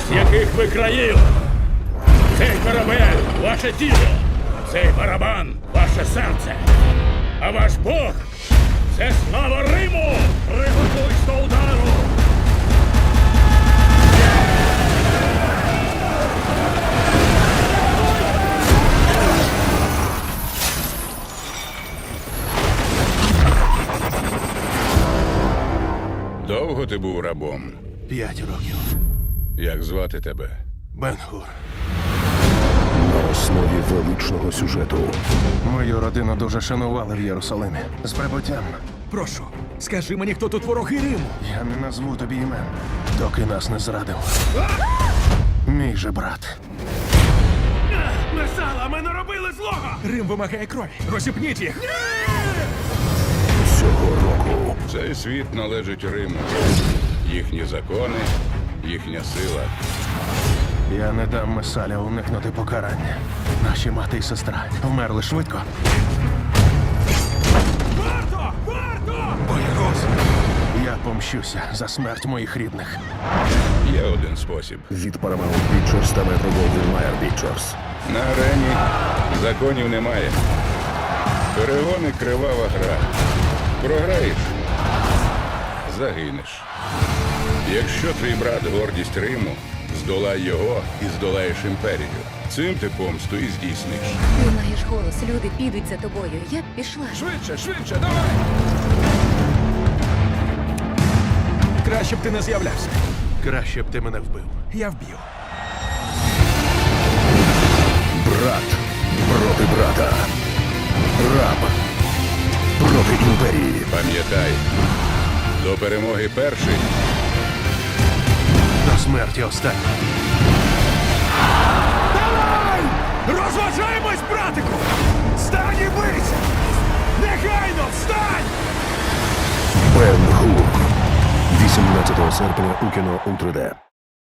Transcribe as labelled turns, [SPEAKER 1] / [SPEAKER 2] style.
[SPEAKER 1] з яких ви країв. Цей корабель – ваше тіло, цей барабан – ваше серце. А ваш Бог – це слава Риму! Приготуйсь до удару!
[SPEAKER 2] Довго ти був рабом?
[SPEAKER 3] 5 років.
[SPEAKER 2] Як звати тебе?
[SPEAKER 3] Бен-Гур.
[SPEAKER 4] На основі величного сюжету.
[SPEAKER 3] Мою родину дуже шанували в Єрусалимі. З прибуттям.
[SPEAKER 5] Прошу, скажи мені, хто тут вороги Риму?
[SPEAKER 3] Я не назву тобі імен, доки нас не зрадив. Мій же брат.
[SPEAKER 5] Месала, ми не робили злого! Рим вимагає крові. Розіпніть їх!
[SPEAKER 4] Цього року
[SPEAKER 2] Цей світ належить Риму. Їхні закони, їхня сила.
[SPEAKER 3] Я не дам Месаля уникнути покарання. Наші мати і сестра вмерли швидко.
[SPEAKER 5] Варто! Варто! Боягуз!
[SPEAKER 3] Я помщуся за смерть моїх рідних.
[SPEAKER 2] Є один спосіб.
[SPEAKER 4] від Paramount Pictures та Metro-Goldwyn-Mayer Pictures.
[SPEAKER 2] На арені законів немає. Перегони – кривава гра. Програєш – загинеш. Якщо твій брат – гордість Риму, здолай його і здолаєш імперію. Цим ти помсту і здійсниш.
[SPEAKER 6] Ти маєш голос, люди підуть за тобою. Я б пішла.
[SPEAKER 5] Швидше, швидше, давай! Краще б ти не з'являвся.
[SPEAKER 3] Краще б ти мене вбив.
[SPEAKER 5] Я вб'ю.
[SPEAKER 4] Брат проти брата. Раб проти імперії.
[SPEAKER 2] Пам'ятай, до перемоги перший.
[SPEAKER 3] До смерті останній.
[SPEAKER 5] Давай! Розважаємось, братику! Встань і бийся! Негайно, встань!
[SPEAKER 4] Бен-Гур. 18 серпня у кіно у 3D.